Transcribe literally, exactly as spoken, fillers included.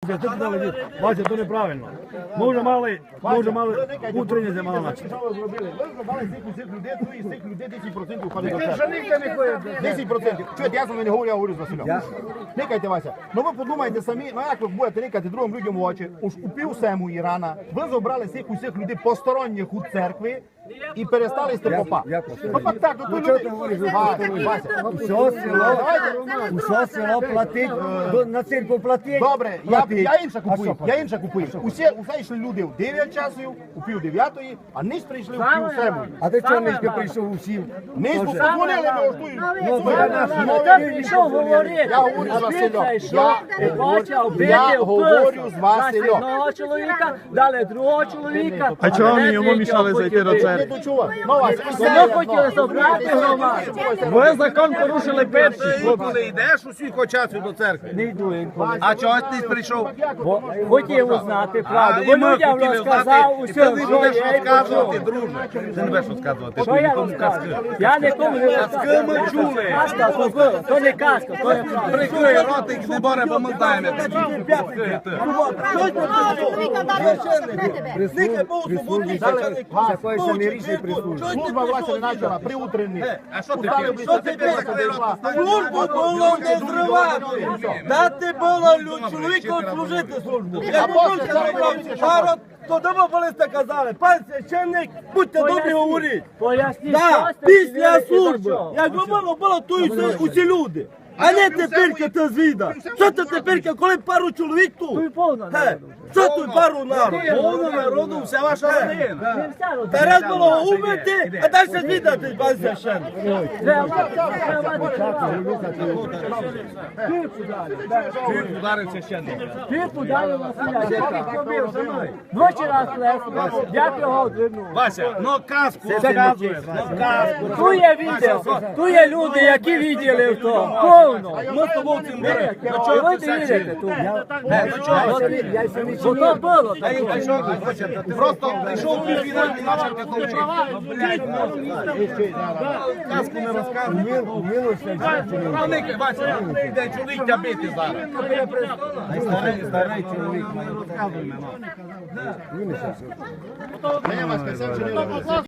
Вася, ти сказали, Вася, то неправильно. Ми вже мали, ми вже мали утрення зимала наче. Що ви зробили? Ви зробили з цих усіх людей, ну і з цих людей десять відсотків ходить до церкви. десять відсотків. Чуєте, я з вами не говорю, я говорю з Василем. Никайте, Вася. Ну ви подумайте самі, ну як ви будете никати другим людям в очі, уж у пів сему Ірана, ви забрали цих усіх людей посторонніх у церкві і перестали сти попа. Ну так, так, ну то люди... Вася, Усьо село, усьо село платить, на церкву платить. добре, я, я інше купую, я інше купую. Усі, усе йшли люди в дев'ять часів, у пів дев'ятої, а низ прийшли в пів сему. А ти чого нижки прийшов усім? Низ подзвонили, ми оштуємо. Хто прийшов говорити? Я говорю з Василем. І бачив, Я говорю з Василем. одного чоловіка, дали другого чоловіка. А чого вони йому мішали зайти до Не церкви? дочував. Ну, Вася, Вони хотіли забрати громаду. Ви закон порушили перші. Коли йдеш усіх часу до церкви. Не йду інколи. А чого ти прийшов? Бо хотів узнати правду. А, Бо і ми людям хотіли розказав знати, і усе, ти не що будеш я й розказувати, почув. друже. Ти не будеш розказувати. Що я розказую? Я нікому не розказую. ми чули. Казка, то було, то не казка, то є правда. Прикрий ротик, не боре, бо ми знаємо. Такої самі рішення прислужить. служба власне не почала при утренній. А що ти Устали п'єш? би, Що що ти ти п'єш? прийшла. Службу було не зривати. Дати було чоловіку служити службу. Як Апостол, зараз було подивіться, що народ, то дома болисти казали, пан священник, будьте добрі говоріть. Поясніть, Так, що сте після вчинили і до служби, чого. якби було, було то і усі, усі люди. А не тепер ти звіда. Що ти тепер, коли пару чоловік Тут тут? повно Ге, народу. що тут пару народу? Повно народу, вся ваша родина. Не вся родина. Тарас було умити, а далі звідати, пан священник. Треба, треба, треба. Ударив священник. Ти подарив Василя. Двічі раз лесу. Я його одвернув. Вася, ну казку розказує. Ну казку. Ту є відео, ту є люди, які виділи то. Повно. Ми з тобою цим беремо. І ви не вірите тут. Бо то було. Просто прийшов пів фінальний начав такого. Казку не розказує. Правники, Вася, йде чоловік бити зараз. Старий, старий чоловік, не розказуй мене. Не, Васька, це вже не робить.